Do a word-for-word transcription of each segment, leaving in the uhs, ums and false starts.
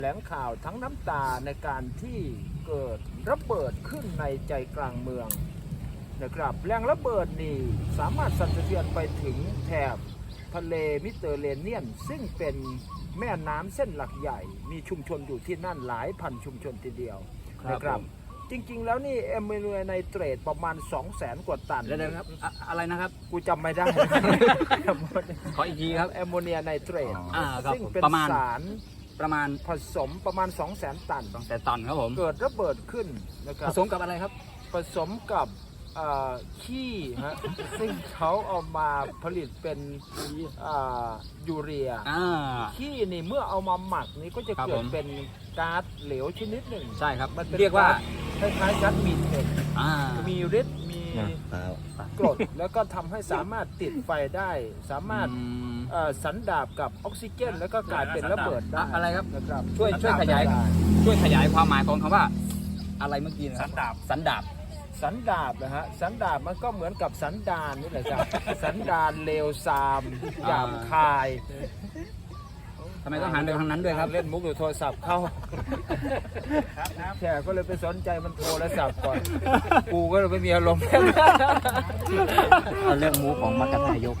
แถลงข่าวทั้งน้ำตาในการที่เกิดระเบิดขึ้นในใจกลางเมืองนะครับแรงระเบิดนี่สามารถสั่นสะเทือนไปถึงแถบทะเลมิเตอร์เรเนียนซึ่งเป็นแม่น้ำเส้นหลักใหญ่มีชุมชนอยู่ที่นั่นหลายพันชุมชนทีเดียวนะครับจริงๆแล้วนี่แอมโมเนียไนเตรตประมาณ สองแสน กว่าตันเดี๋ยวครับอะอะไรนะครับกูจำไม่ได้ขออีกทีครับแอมโมเนียไนเตรตอ่าครับซึ่งเป็นประมาณสารประมาณผสมประมาณ สองแสน ตันสองแสนตันครับผมเกิดระเบิดขึ้นนะครัผบสมกับอะไรครับผสมกับเอ่อขี้ฮะ ซึ่งเขาเอามาผลิตเป็นอ่ายูเรียอ่าขี้นี่เมื่อเอามาหมักนี่ก็จะครับเกิผดมเป็นก๊าซเหลวชนิดหนึ่งใช่ครับมันเป็นเรียกว่าคล้ายๆก๊าซมีเทนอ่ามีฤทธิ์มีกรดแล้วก็ทำให้สามารถติดไฟได้ สามารถอืมเอ่อสันดาบกับออกซิเจน แล้วก็กลายเป็นระเบิดได้อะไรครับนะครับช่วยช่วยขยายได้ช่วยขยายความหมายของคำว่า อะไรเมื่อกี้นะคสัรับนดาบสันดาบสันดาบนะฮะสันดาบมันก็เหมือนกับสันดานนี่แหละครับ สันดานเลวทรามหยาบคายทำไมต้องหันไปทางนั้นด้วยครับเล่นมุกอยู่โทรศัพท์เข้าแขกก็เลยไปสนใจมันโทรศัพท์ก่อนกูก็เลยไม่มีอารมณ์เอาเรื่องมูของมักกะทายก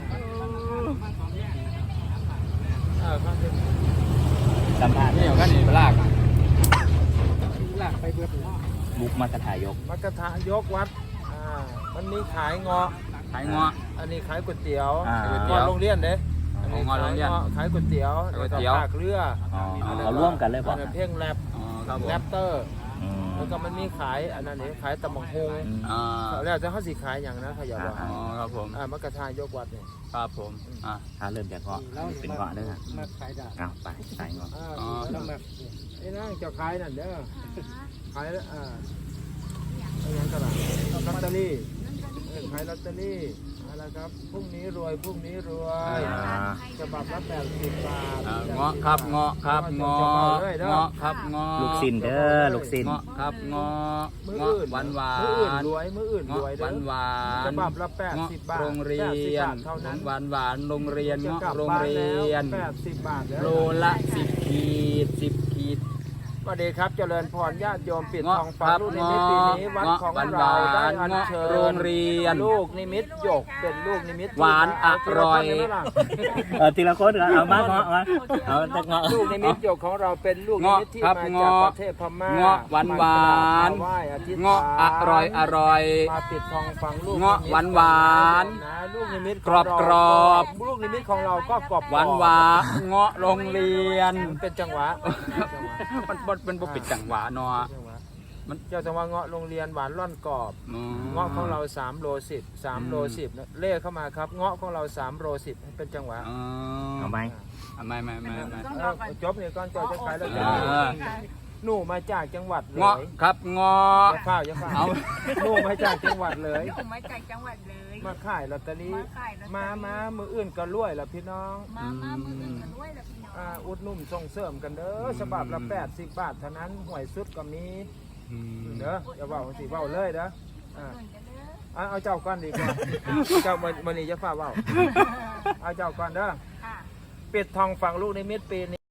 อ่าครับสัมภาษณ์นี่เอากันนี่ไปลากลากไปเบิดมุกมักกะทายกมักกะทะยกวัดอ่ามันมีขายเงาะขายเงาะอันนี้ขายก๋วยเตี๋ยวอ่าเงาะโรงเรียนเด้อันนี้เงาะโรงเรียนขายก๋วยเตี๋ยวก๋วยเตี๋ยวแล้ก็ภาคเรืออ๋ออันนั้นเอาร่วมกันเลยป่ะอันนั้นเพ่งแรปอ๋อครับผมแรปเตอร์อืมแล้วก็มันมีขายอันนั้นนี่ขายตำบักฮงอ่าแล้วจะเขาสิขายอย่างนะขยับว่าอ๋อครับผมอ่ามักกะทายกวัดเนี่ยครับผมอ่าถ้าเริ่มจากเงาะเป็นเงาะเด้อมาขายดาบเอาไปใส่เงาะอ่าอ๋อแล้วแบบไอ้นั่งจะขายนั่นเด้อขายแล้วอ่าไอ้ยังตลาดลอตเตอรี่เออขายลอตเตอรี่อะไรครับพรุ่งนี้รวยพรุ่งนี้รวยอ่าฉบับละแปดสิบบาทอ่าเงาะครับเงาะครับเงาะเลยเด้อเงาะครับเงาะลูกซินเด้อลูกซินเงาะครับเงาะมือเงาะอื่นหวานหวามืออื่นนรวยมืออื่นเงาะรวยหเด้วานหวาฉนบับละแปดเงาะสิบบาทโรงเรียแปดสิบนบาทเท่านั้นหวานหวานโรงเรียนจะเงาะกลับโรงบ้านเรีแล้วยนแปดสิบบาทแล้วโลละสิบขีดสิบขีดสวัสดีครับเจริญพรญาติโยมปิดเงาะทองฟ้าครับลูกนิมิตปีนี้วัดเงาะของหวานเราหวานได้อัญเงาะเชิญโรงเรียนลูกนิมิตหยกเป็นลูกนิมิตหวานอร่อยที่เาทำได้ไหมล่ะเออทีละคนเอามาเงาะมาเอาแต่เงาะลูกนิมิตหยกของเราเป็นลูกนิมิตที่เงาะครับมาจากเงาะประเทศพม่าเงาะหวานหวานมกราบมาไหว้อธิษฐานเงาะอร่อยอร่อยมาปิดทองฟังลูกเงาะนิมิตหวานหวานนะลูกนิมิตขงกรอบเากรอบลูกนิมิตของเราก็กรอบหวานหวานเงาะโรงเรียนมันเป็นจังหวะมันมันมันบ่ปิดจังหวะเนาะมันเจ้าจังหวะเงาะโรงเรียนหวานร่อนกรอบอืมเงาะของเราสามโลสิบ สามโลสิบนะเลขเข้ามาครับเงาะของเราสามโลสิบเป็นจังหวะอ๋อเอาไหมอ่ะไม่ไม่ไม่ไม่เออจบเนี่ยก่อนเจ้าจะขายแล้วจะอ่าหนูมาจากจังหวัดเลยเงาะครับเงาะอย่าข้าวอย่าข้าวเอาหนูมาจากจังหวัดเลยผมมาจากจังหวัดเลยมาขายลอตเตอรี่มาขายลอตเตอรี่มามามืออื่นก็รวยละพี่น้องมามามืออื่นกันด้วยล่ะพี่น้องอ่าอุดหนุ่มส่งเสริมกันเด้อฉบับละแปดสิบบาทเท่านั้นหวยสุดก็มีอืมเด้ออย่าเบาสิเบาเลยเด้ออ่าอื่นกันเด้อเอาเอาเจ้าก้อนดีกว่าเจ้ามันมันนี่จะฟ้าเบาเอาเจ้าก้อนเด้อค่ะปิดทองฝังลูกในมิตรปีนี้